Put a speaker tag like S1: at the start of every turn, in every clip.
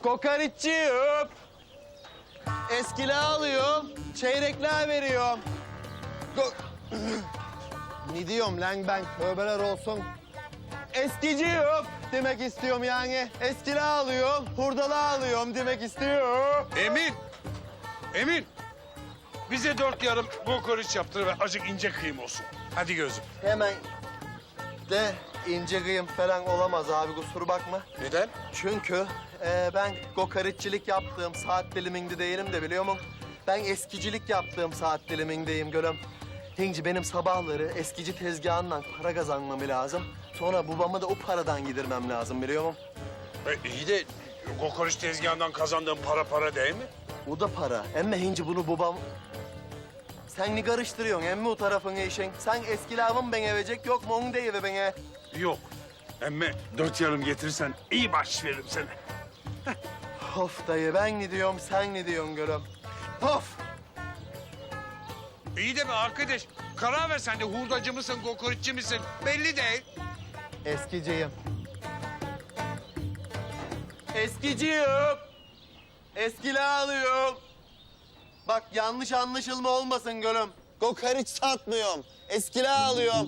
S1: Kokoreççiyim. Eskiler alıyorum, çeyrekler veriyorum. Ne diyorum lan ben? Tövbeler olsun. Eskiciyim demek istiyorum yani. Eskiler alıyorum, hurdalar alıyorum demek istiyorum.
S2: Emin. Bize 4 yarım kokoreç yaptır ve acık ince kıyım olsun. Hadi gözüm.
S1: Hemen de ince kıyım falan olamaz abi, kusura bakma.
S2: Neden?
S1: Çünkü ben kokoreççilik yaptığım saat diliminde değilim de biliyor musun? Ben eskicilik yaptığım saat dilimindeyim gülüm. Hinci benim sabahları eskici tezgahından para kazanmam lazım. Sonra babamı da o paradan yedirmem lazım biliyor musun?
S2: İyi de kokoreç tezgahından kazandığın para değil mi?
S1: O da para. Emme hinci bunu babam... Sen ne karıştırıyorsun emmi o tarafını işin? Sen eski lavın bana verecek yok mu onu deyiver bana.
S2: Yok. Emme 4 yarım getirirsen iyi bahşiş veririm sana.
S1: Of dayı ben ne diyorum sen ne diyorsun gülüm? Of!
S2: İyi de be arkadaş. Karar ver sen de hurdacı mısın, kokoreççi misin? Belli değil.
S1: Eskiciyim. Eskiciyim. Eskiler alıyorum. Bak yanlış anlaşılma olmasın gülüm. Kokoreç satmıyorum. Eskiler alıyorum.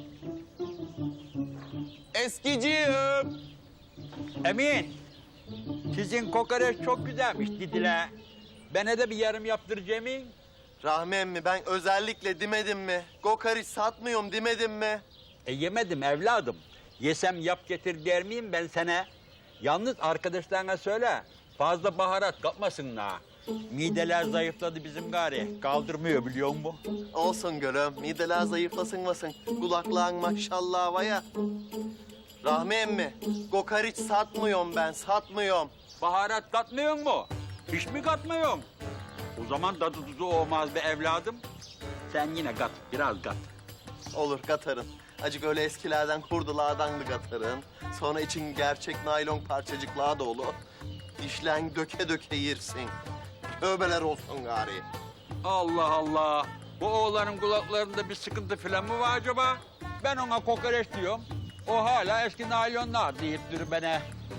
S1: Eskiciyim.
S3: Emin, sizin kokoreç çok güzelmiş dediler. Bana da bir yarım yaptıracağım.
S1: Rahmi emmi ben özellikle demedim mi? Kokoreç satmıyorum demedim mi?
S3: Yemedim evladım. Yesem yap getir der miyim ben sana? Yalnız arkadaşlarına söyle, fazla baharat katmasınlar. Mideler zayıfladı bizim gari. Kaldırmıyor biliyor musun?
S1: Olsun gülüm. Mideler zayıflasın. Kulakların maşallah var ya. Rahmi emmi, kokoreç satmıyorum ben, satmıyorum.
S3: Baharat katmıyor mu? Hiç mi katmıyorsun? O zaman tadı tuzu olmaz be evladım. Sen yine kat, biraz kat.
S1: Olur katarın. Acık öyle eskilerden kurdulardan da katarın. Sonra için gerçek naylon parçacıklar da olur. İşlen döke döke yersin. Tövbeler olsun gari.
S3: Allah Allah. Bu oğlanın kulaklarında bir sıkıntı falan mı var acaba? Ben ona kokoreç diyorum. O hala eski naylonlar deyip durur bana.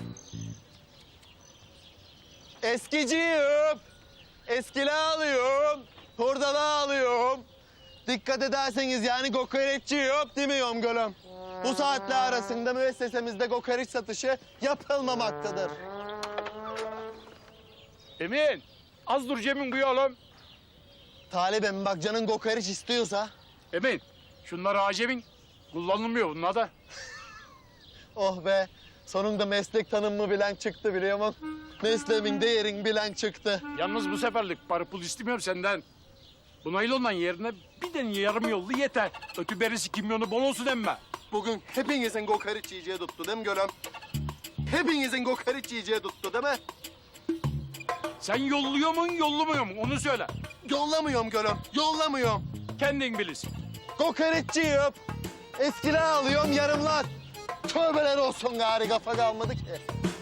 S1: Eskiciyim. Eskiler alıyorum. Hurdalar alıyorum. Dikkat ederseniz yani kokoreççi yok demiyorum gülüm. Bu saatler arasında müessesemizde kokoreç satışı yapılmamaktadır.
S4: Emin, az dur Cem'in kuyu oğlum.
S1: Talibim bak canın kokoreç istiyorsa.
S4: Emin, şunlar acemin. Kullanılmıyor bunlar da.
S1: Oh be sonunda meslek tanımımı bilen çıktı biliyor musun? Mesleğimin değerini bilen çıktı.
S4: Yalnız bu seferlik para pul istemiyorum senden. Bu naylondan yerine bir de yarım yollu yeter. Ötü berisi kimyonu bol olsun emme.
S1: Bugün hepinizin kokoreç yiyeceği tuttu değil mi gülüm? Hepinizin kokoreç yiyeceği tuttu değil mi?
S4: Sen yolluyor musun, yollumuyor mu? Onu söyle.
S1: Yollamıyorum gülüm, yollamıyorum.
S4: Kendin bilirsin.
S1: Kokoreççiyim. Eskiler alıyorum yarımlar. Tövbeler olsun gari kafa kalmadı ki.